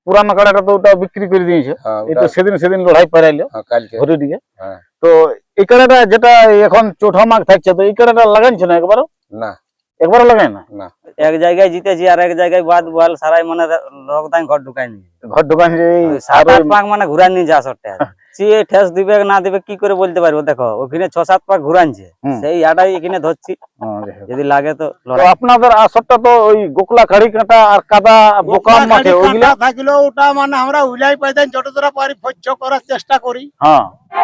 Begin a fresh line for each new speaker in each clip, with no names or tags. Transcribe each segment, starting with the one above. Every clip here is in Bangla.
পুরানো কাড়াটা তো ওটা বিক্রি করে দিয়েছে, এটা সেদিন লড়াই পারাইলো ঘরে দিকে। তো এই কাড়াটা যেটা এখন চৌঠা মাঘ থাকছে, তো এই কাড়াটা লাগাইছে না একবারও?
না,
একবারও লাগাই না।
এক জায়গায় জিতেছি আর এক জায়গায় বাদ বল সারাই মানে রকদাই ঘর ঢুকাই নি,
ঘর দোকান যে
7-8 পাক মানে ঘুরান নিয়ে যা সরটা সে ঠেস দিবে না দিবে কি করে বলতে পারবো। দেখো ওখানে 6-7 পাক ঘুরানছে, সেই আটাই এখানে ধরছি, যদি লাগে তো।
আপনাদের আসরটা তো ওই গোকলা খাড়ি কাঁটা আর কাদা বোকাম মাঠে, ওইগুলা
থাকলো ওটা মানে আমরা উলাই পাইতেন যতটা পারি ভোজ্য করার চেষ্টা করি।
হ্যাঁ,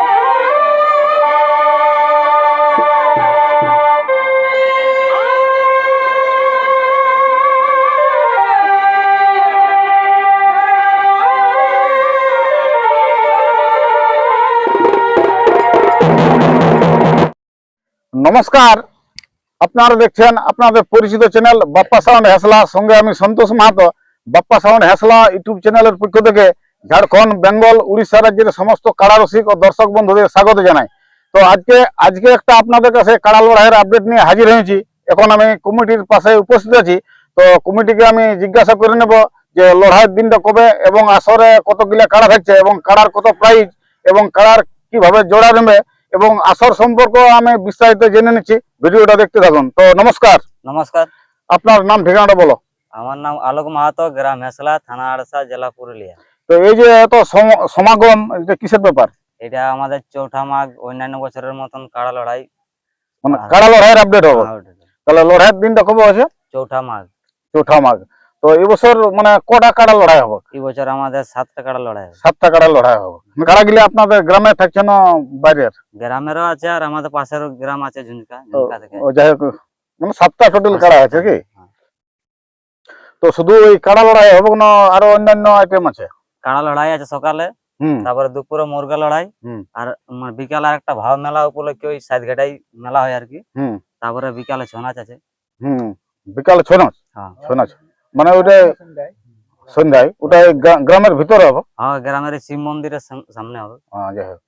নমস্কার, আপনারা দেখছেন আপনাদের পরিচিত চ্যানেল বাপ্পা সাউন্ড হেসলা, সঙ্গে আমি সন্তোষ মাহাতো। বাপ্পা সাউন্ড হেসলা ইউটিউব চ্যানেলের পক্ষ থেকে ঝাড়খণ্ড, বেঙ্গল, উড়িষ্যা রাজ্যের সমস্ত কাড়া রসিক ও দর্শক বন্ধুদের স্বাগত জানাই। তো আজকে একটা আপনাদের কাছে কাড়া লড়াইয়ের আপডেট নিয়ে হাজির হয়েছি। এখন আমি কমিটির পাশে উপস্থিত আছি, তো কমিটিকে আমি জিজ্ঞাসা করে নেব যে লড়াইয়ের দিনটা কবে এবং আসরে কতগুলা কাড়া থাকছে এবং কাড়ার কত প্রাইজ এবং কাড়ার কিভাবে জোড়া নেবে এবং আসর সম্পর্ক আমি বিস্তারিত জেনে নিচ্ছি। ভিডিওটা দেখতে থাকুন। তো নমস্কার।
নমস্কার,
আপনার নাম ঠিকানাটা বলো।
আমার নাম আলোক মাহাতো, গ্রাম হেসলা, থানা আড়সা, জেলা পুরুলিয়া।
তো এই যে এত সমাগম, এটা কিসের ব্যাপার?
এটা আমাদের চৌঠা মাঘ অন্যান্য বছরের মতন কাড়া লড়াই,
মানে কাড়া লড়াইয়ের আপডেট হবে। তাহলে লড়াইয়ের দিনটা কবে আছে?
চৌঠা মাঘ।
চৌঠা মাঘ। তো এবছর মানে কটা কাড়া লড়াই হবে?
এই বছর আমাদের 7টা কাড়া লড়াই হবে।
7টা কাড়া লড়াই হবে। কাড়া গিলে আপনাদের গ্রামে থাকছে না বাইরের?
গ্রামেরও আছে আর আমাদের পাশের গ্রাম আছে ঝুনকা থেকে।
ও যাই হোক, মানে 7টা টোটাল কাড়া আছে কি? তো শুধু ওই কাড়া লড়াই হবে না আরো অন্যান্য আইটেম আছে?
কাড়া লড়াই আছে সকালে, তারপরে দুপুরে মুরগা লড়াই, আর বিকালে একটা ভাব মেলা উপলক্ষে ওই সাইড ঘাটাই মেলা হয় আর কি। তারপরে বিকালে ছৌ নাচ আছে।
বিকালে ছৌ নাচ?
হ্যাঁ,
ছৌ নাচ মানে ওটা সন্ধ্যায়, ওটা গ্রামের ভিতরে হবে?
হ্যাঁ, গ্রামের শিব মন্দিরের সামনে হবে।
যাই হোক,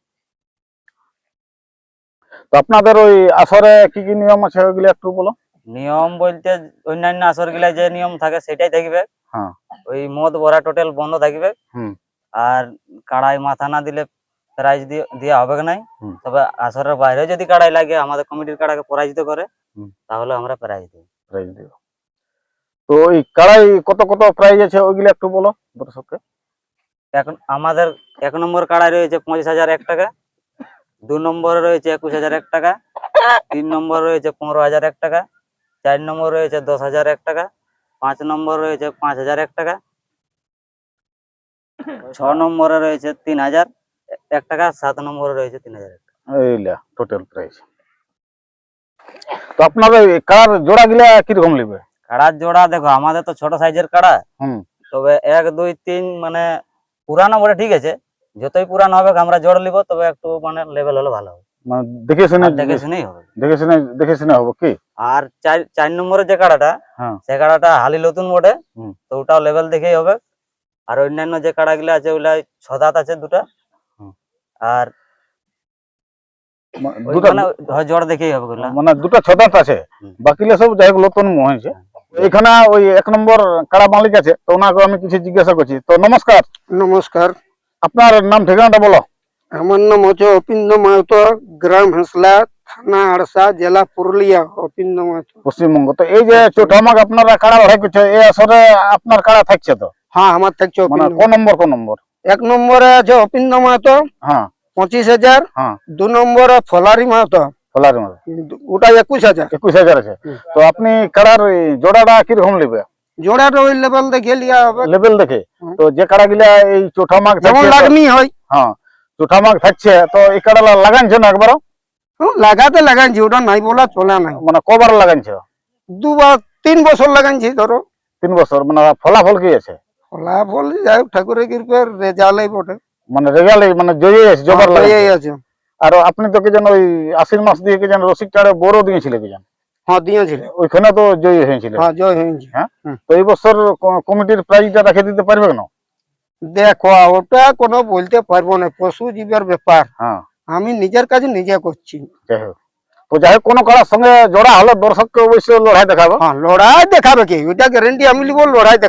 তো আপনাদের ওই আসরে কি কি নিয়ম আছে ওইগুলো একটু বলো।
নিয়ম বলতে অন্যান্য আসর গুলা যে নিয়ম থাকে সেটাই থাকবে। ওই মদ ভরা টোটাল বন্ধ থাকবে, আর কাড়াই মাথা না দিলে প্রাইজ দেওয়া হবে নাই। তবে আসরের বাইরে যদি কাড়াই লাগে আমাদের কমিটির কাড়াকে পরাজিত করে তাহলে আমরা প্রাইজ দেব।
তো ওই কাড়াই কত কত প্রাইজ আছে ওইগুলো একটু বলো দর্শককে।
এখন আমাদের 1 নম্বর কাড়াই রয়েছে 25,001 টাকা, 2 নম্বরে রয়েছে 21,001 টাকা, 3 নম্বর রয়েছে 15,001 টাকা, 4 নম্বর রয়েছে 10,001 টাকা, 5 নম্বর রয়েছে 5,001 টাকা, 6 নম্বরে রয়েছে 3,001 টাকা, 7 নম্বরে রয়েছে 3,001 টাকা।
এইলা টোটাল প্রাইস। তো আপনাদের কাড়ার জোড়া গিলা কিরকম নেবে?
কাড়ার জোড়া দেখো আমাদের তো ছোট সাইজের কাড়া, তবে 1, 2, 3 মানে পুরানো বলে ঠিক আছে, যতই পুরানো হবে আমরা জোড় নিব, তবে একটু মানে লেভেল হলে ভালো হবে।
মানে দেখে শুনে হবে কি। আর
4 নম্বরের যে কাড়াটা, সে কাড়াটা হালি নতুন বটে, তো ওটাও লেভেল দেখেই হবে। আর অন্যান্য যে কাড়া গুলা আছে ওগুলা 6 দাঁত আছে দুটা, আর জোড় দেখেই হবে ওগুলা, মানে
দুটা 6 দাঁত আছে, বাকিগুলো সব যাই হোক নতুন হয়েছে। এখানে ওই 1 নম্বর কাড়া মালিক আছে, তো ওনাকে আমি কিছু জিজ্ঞাসা করছি। তো নমস্কার।
নমস্কার,
আপনার নাম ঠিকানাটা বলো।
আমার নাম হচ্ছে অপিন্দ মাহাতো, গ্রাম হেসলা, থানা আড়সা, জেলা পুরুলিয়া। অপিন্দ মাহাতো,
পশ্চিমবঙ্গ। তো এই যে চৌঠা মাঘ আপনারা কাড়া লড়াই করছে, এই আসরে আপনার কাড়া থাকছে তো?
হ্যাঁ, আমার থাকছে।
কোন নম্বর?
1 নম্বরে আছে অপিন্দ মাহাতো, 25,000। 2 নম্বরে ফলারি মাহাতো, ওটা 21,000
আছে। তো আপনি কাড়ার জোড়াটা কিরকম নেবে?
জোড়াটা ওই লেভেল দেখে লিয়া হবে।
লেভেল দেখে। তো যে কাড়া গিলা এই চৌঠা মাঘ
যেমন লাগনি হয়,
চৌঠা মাঘ থাকছে, তো এই কাড়া লাগাইছে না একবারও?
লাগাইছি, ওটা নাই বলা চলে নাই।
মানে কবার লাগাইছে?
2-3 বছর লাগাইছি ধরো।
3 বছর। মানে ফলাফল কি আছে?
ফলাফল যাই হোক ঠাকুরের কৃপায় রেজাল্টই বটে।
মানে রেজাল্ট মানে জয়ী আছে, জবর
জয়ী আছে।
আর আপনি তো কি যেন ওই আশ্বিন মাস দিয়ে কি যেন রসিক টাড়ে বড় দিয়েছিল কি যেন?
হ্যাঁ, দিয়েছিল।
ওইখানে তো জয়ী হয়েছিল।
হ্যাঁ, জয় হয়েছে।
হ্যাঁ, তো এই বছর কমিটির প্রাইজটা রেখে দিতে পারবে না?
দেখো, ওটা কোনো বলতে পারবো না, পশু জীবের ব্যাপার। আমি নিজের কাছে নিজে করছি।
যাই হোক, তো যাই হোক কোনো কারোর সঙ্গে জোড়া হলে দর্শককে অবশ্যই লড়াই দেখাবো।
হ্যাঁ, লড়াই দেখাবে কি, ওইটা গ্যারেন্টি আমি লিব, লড়াই দেখাবো।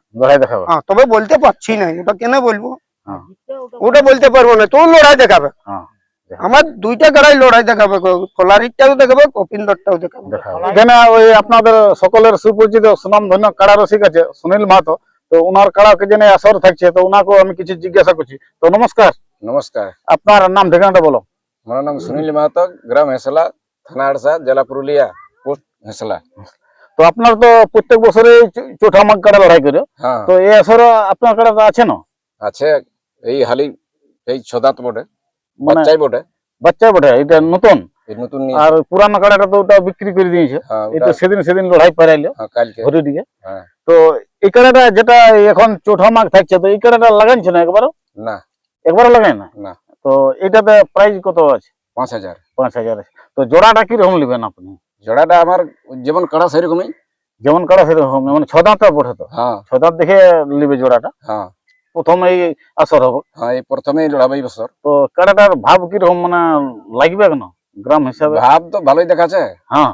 লড়াই দেখাবে।
হ্যাঁ, তবে বলতে পারছি না, ওটা কেন বলবো,
হ্যাঁ।
ওটা বলতে পারবো না। তো লড়াই দেখাবে,
হ্যাঁ,
আমার দুইটা কাড়াই লড়াই দেখাবে, ফলারিটাও দেখাবে, কপিন্দরটাও দেখাবে।
দেখাবে। এখানে ওই আপনাদের সকলের সুপরিচিত সুনাম ধন্য কাড়া রসিক আছে সুনীল মাহাতো, তো উনার কাড়াকে জেনে আসর থাকছে, তো উনাকেও আমি কিছু জিজ্ঞাসা করছি। তো নমস্কার,
नमस्कार।
আপনার নাম ঠিকানাটা বলো।
मेरा नाम सुनील महतो, ग्राम हेसला, थाना अड़सा, जिला पुरुलिया, पोस्ट हेसला।
তো আপনার তো প্রত্যেক বছরে চোঠা মাঘ কাড়া লড়াই করে,
हाँ
তো এই আসর আপনার কাড়া তো আছে না?
আছে এই হালি এই ছদাত বটে,
মানে
বাচ্চাই বটে,
বাচ্চা বটে, এটা নতুন।
এই নতুন
আর পুরানো কাড়াটা তো ওটা বিক্রি করে দিয়েছে,
হ্যাঁ
এটা সেদিন লড়াই পারাইলো
হ্যাঁ কালকে
ঘুরে দিকে।
হ্যাঁ
তো এই কাড়াটা যেটা এখন চোঠা মাঘ থাকছে, তো এই কাড়াটা লাগাইছে না একবারও?
না
একবারও লাগাই না।
না
তো এটাতে প্রাইস কত আছে?
5000।
5000 আছে। তো জোড়াটা কিরকম নেবেন আপনি?
জোড়াটা আমার যেমন কাড়া সেরকমই।
যেমন কাড়া সেরকম, মানে ছদাঁত পড়ে, তো
হ্যাঁ
ছদাঁত দেখে নিবে জোড়াটা।
হ্যাঁ
প্রথম এই আসর হবে,
হ্যাঁ এই প্রথমেই লড়াবে এই বছর।
তো কাড়াটার ভাব কিরকম মানে লাগবে কেন গ্রাম হিসাবে?
ভাব তো ভালোই দেখাচ্ছে,
হ্যাঁ,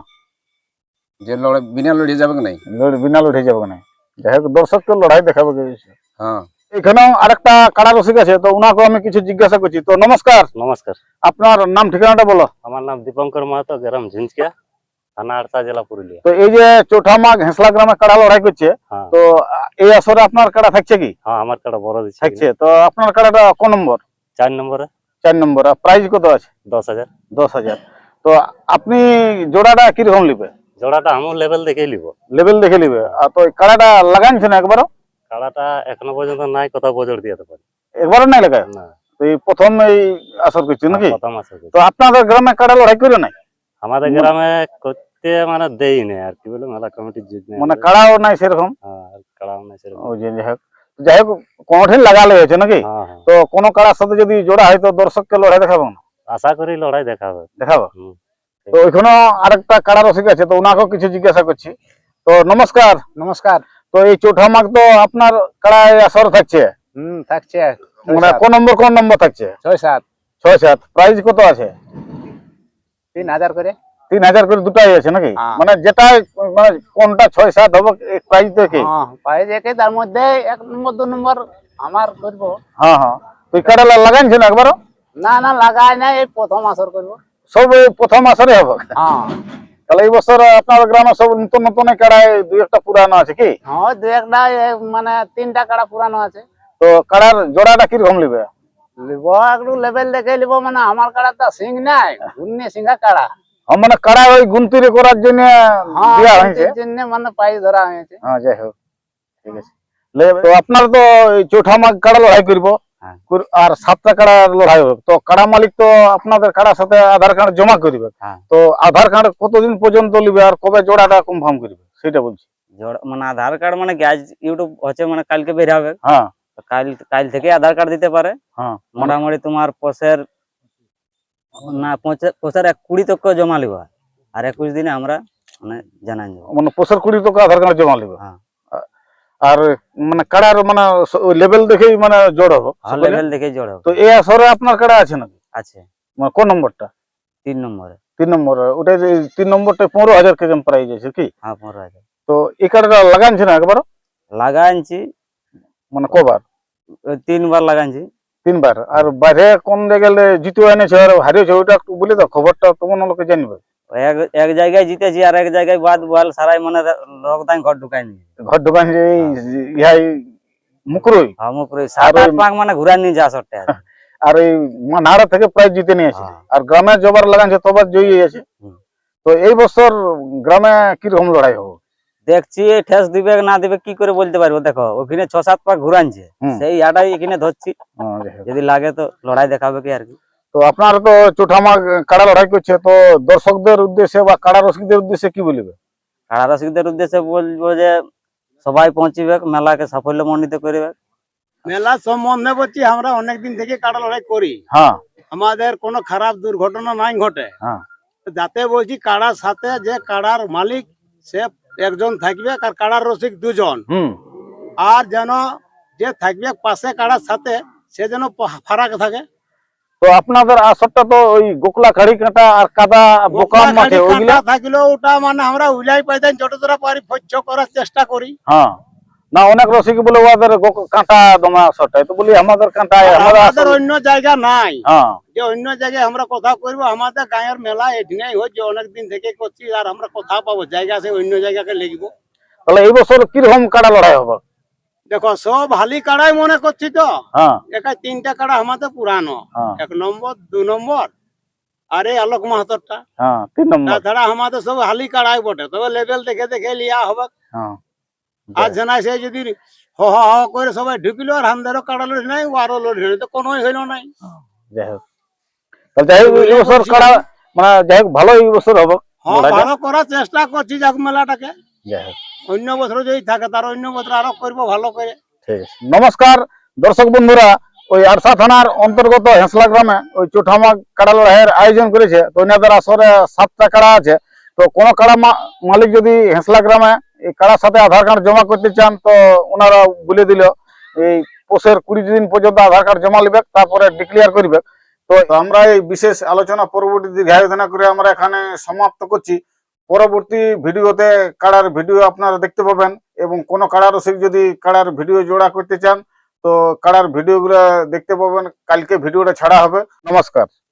যে লড়াই বিনা লড়িয়ে যাবে কি নাই।
বিনা লড়ে যাবে না, যাই হোক দর্শককে লড়াই দেখাবে।
হ্যাঁ
এখানেও আরেকটা কাড়া রসিক আছে, তো উনাকে আমি কিছু জিজ্ঞাসা করছি। তো নমস্কার,
নমস্কার,
আপনার নাম ঠিকানাটা বলো।
আমার নাম দীপঙ্কর মাহাতো, গ্রাম ঝিঞ্চকিয়া, থানা আড়সা, জেলা পুরুলিয়া।
তো এই যে চোঠা মাঘ হেসলা গ্রামে কাড়া লড়াই করছে,
হ্যাঁ
তো এই আসরে আপনার কাড়া থাকছে কি?
হ্যাঁ, আমার কাড়া বড় দিচ্ছে
থাকছে। তো আপনার কাড়াটা কোন নম্বর?
4 নম্বরে
4 নম্বর। আর প্রাইস কত আছে?
10,000।
10,000। তো আপনি জোড়াটা কিরকম নিবে?
জোড়াটা আমার লেভেল দেখেই লিব।
লেভেল দেখে নিবে। আর তো এই কাড়াটা লাগাইছে না একবারও?
কাড়াটা এখনো পর্যন্ত নাই, কোথাও বজর দিয়ে পারি
একবারও নাই লাগায়?
না।
তো এই প্রথম এই আসর করছে নাকি?
প্রথম আছে।
তো আপনাদের গ্রামে কাড়া লড়াই করে নাই?
আমাদের গ্রামে করতে মানে দেই না, আর কি বলে, মেলা কমিটির যুগ নেই।
মানে কাড়াও নাই সেরকম?
হ্যাঁ, আর কাড়াও নাই সেরকম।
ওই যে যাই হোক কোনঠিন লাগালে হয়েছে নাকি?
হ্যাঁ হ্যাঁ,
তো কোন কাড়ার সাথে যদি জোড়া হয়, তো দর্শককে লড়াই দেখাবো না?
আশা করি লড়াই দেখাবে।
দেখাবো।
হুম।
তো ওইখানেও আরেকটা কাড়া রসিক আছে, তো ওনাকেও কিছু জিজ্ঞাসা করছি। তো নমস্কার।
নমস্কার।
তো এই চৌঠা মাঘ তো আপনার কাড়ায় আসর থাকছে,
থাকছে
মানে কোন নম্বর থাকছে?
6-7
6-7। প্রাইস কত আছে?
3000 করে।
3000 করে দুটাই আছে নাকি?
হ্যাঁ।
মানে যেটা মানে কোনটা 6-7 হবে প্রাইস দেখে?
হ্যাঁ, পাইজ একে, তার মধ্যে 1 নম্বর 2 নম্বর আমার করব।
হ্যাঁ হ্যাঁ। তো এই কাড়া লাগাইছে না একবারও?
না না, লাগাই না, এই প্রথম আসর করব।
সব এই প্রথম আসরে হবে?
হ্যাঁ
তাহলে এই বছর আপনার গ্রামে সব নতুন নতুন কাড়ায় দুই একটা পুরানো আছে কি?
হ্যাঁ, 2-1টা মানে 3টা কাড়া পুরানো আছে।
তো কাড়ার জোড়াটা কিরকম নিবে?
লিব একটু লেভেল দেখে লিব, মানে আমার কাড়া তো সিং নাই, ঘুরনে সিংহা কাড়া।
মানে কাড়া ওই গুনতিরে করার জন্য
হ্যাঁ,
দেওয়া হয়েছে।
এর জন্য মানে পাই ধরা হয়েছে।
হ্যাঁ, যাই হোক ঠিক আছে। তো আপনার তো এই চৌঠা মাঘ কাড়া লড়াই করবো,
হ্যাঁ।
আর 7টা কাড়া লড়াই হবে। তো কাড়া মালিক তো আপনাদের কাড়ার সাথে আধার কার্ড জমা করবে,
হ্যাঁ।
তো আধার কার্ড কতদিন পর্যন্ত নিবে আর কবে জোড়াটা কনফার্ম করবে সেটা বলছি।
জোড়া মানে আধার কার্ড মানে কি আজ ইউটিউব হচ্ছে, মানে কালকে বের হবে,
হ্যাঁ
তো কাল থেকে আধার কার্ড দিতে পারে।
হ্যাঁ।
মোটামুটি তোমার পোষের না পোষের 20 তক জমা লিবা, আর 21 দিনে আমরা মানে জানাই দেবো।
মানে 20 টাকা আধার কার্ড জমা নিবে।
হ্যাঁ।
আর মানে কাড়ার মানে লেভেল দেখেই মানে জোড় হবে।
লেভেল দেখে জোড় হবে।
তো এই আসরে আপনার কাড়া আছে নাকি?
আছে
মানে কোন নম্বরটা?
3 নম্বরে।
3 নম্বর। ওটা 3 নম্বরটা 15,000 কেজি প্রাইস আছে কি?
হ্যাঁ, 15,000
তো এই কাড়াটা লাগাইছে না একবারও?
লাগাইছি,
মানে কবার?
3 বার লাগাইছি।
3 বার। আর বাইরে কোন জায়গায় জিতু এনেছে আর হারিয়েছে, ওইটা একটু বলে দাও, খবরটা তোমার লোকে জানবে।
এক জায়গায় জিতেছি, আর এক জায়গায় বাদ বল সারাই মানে রকদাই ঘর ঢুকাই নি।
ঘর দোকান যে ইহাই মুকরুই
মুখরে 7-8 পাক মানে ঘুরাই নিয়ে যা সরতে।
আর এই নাড়া থেকে প্রায় জিতে নিয়েছে।
হ্যাঁ।
আর গ্রামে জবার লাগাইছে তবার জয়ী আছে।
হুম।
তো এই বছর গ্রামে কিরকম লড়াই হবে?
দেখছি ঠেস দিবে না দিবে কি করে বলতে পারবো। দেখো ওখানে 6-7 পাক ঘুরানছে,
হুম।
সেই আটাই এখানে ধরছি,
যাই হোক।
যদি লাগে তো লড়াই দেখাবে কি আর কি।
তো আপনারা তো চোঠামাগ কাড়া লড়াই করছে, তো দর্শকদের উদ্দেশ্যে বা কাড়া রসিকদের উদ্দেশ্যে কি বলবে?
কাড়া রসিকদের উদ্দেশ্যে বলবো যে সবাই পৌঁছিবে, মেলাকে সাফল্যমণ্ডিত করবে।
মেলা সম্বন্ধে বলছি, আমরা অনেকদিন থেকে কাড়া লড়াই করি,
হ্যাঁ
আমাদের কোনো খারাপ দুর্ঘটনা নাই ঘটে।
হ্যাঁ।
যাতে বলছি কাড়ার সাথে যে কাড়ার মালিক সে একজন থাকবে, আর কাড়ার রসিক 2 জন,
হুম।
আর যেন যে থাকবে পাশে কাড়ার সাথে সে যেন ফারাক থাকে।
তো আপনাদের আসরটা তো ওই গোকলা খাড়ি কাঁটা আর কাদা বোকাম মাঠে ওইগুলা
থাকলেও ওটা মানে আমরা উলাই পাইতেন যতটা পারি ফচ্ছ করার চেষ্টা করি।
হ্যাঁ। না অনেক রসিক বলে ওদের কাঁটা দমা শর্ট তো বলি আমাদের কাঁটায়
আমাদের অন্য জায়গা নাই,
হ্যাঁ
যে অন্য জায়গায় আমরা কথা করবো। আমাদের গাঁয়ের মেলা এখানেই হচ্ছে, অনেক দিন থেকে করছি, আর আমরা কোথাও পাবো জায়গা, সে অন্য জায়গাকে লিখবো।
তাহলে এই বছর কিরকম কাড়া লড়াই হবে?
দেখো সব হালি কাড়াই মনে করছি তো,
হ্যাঁ
একাই 3টা কাড়া আমাদের পুরানো,
হ্যাঁ
1 নম্বর 2 নম্বর আর এই আলোক মাহাতরটা।
হ্যাঁ 3 নম্বর
তাছাড়া আমাদের সব হালি কাড়াই বটে, তবে লেভেল দেখে দেখে লিয়া হবে।
হ্যাঁ
আর জানাই সে যদি হ হ হ করে সবাই ঢুকিল, আর আমাদেরও কাড়া লড়ি নাই, ও আরো লড়ি নাই, তো কোনোই হইল নাই।
যাই হোক তাহলে যাই হোক এই বছর কাড়া মানে যাই হোক ভালো এই বছর হবে
হ্যাঁ, ভালো করার চেষ্টা করছি যাক মেলাটাকে।
যাই হোক
অন্য বছর যদি থাকে তার অন্য বছর আরো করবো ভালো করে।
ঠিক আছে। নমস্কার দর্শক বন্ধুরা, ওই আরসা থানার অন্তর্গত হেসলা গ্রামে ওই চোঠামা কাড়া লড়াইয়ের আয়োজন করেছে। তো ওনাদের আসরে 7টা কাড়া আছে। তো কোনো কাড়া মালিক যদি হেসলা গ্রামে এই কাড়ার সাথে আধার কার্ড জমা করতে চান, তো ওনারা বলে দিল এই পোষের 20 দিন পর্যন্ত আধার কার্ড জমা নিবে, তারপরে ডিক্লেয়ার করবে। তো আমরা এই বিশেষ আলোচনা পরবর্তী দীর্ঘায়োজনা করে আমরা এখানে সমাপ্ত করছি। পরবর্তী ভিডিওতে কাড়ার ভিডিও আপনারা দেখতে পাবেন, এবং কোনো কাড়া রসিক যদি কাড়ার ভিডিও জোড়া করতে চান তো কাড়ার ভিডিওগুলো দেখতে পাবেন। কালকে ভিডিওটা ছাড়া হবে। নমস্কার।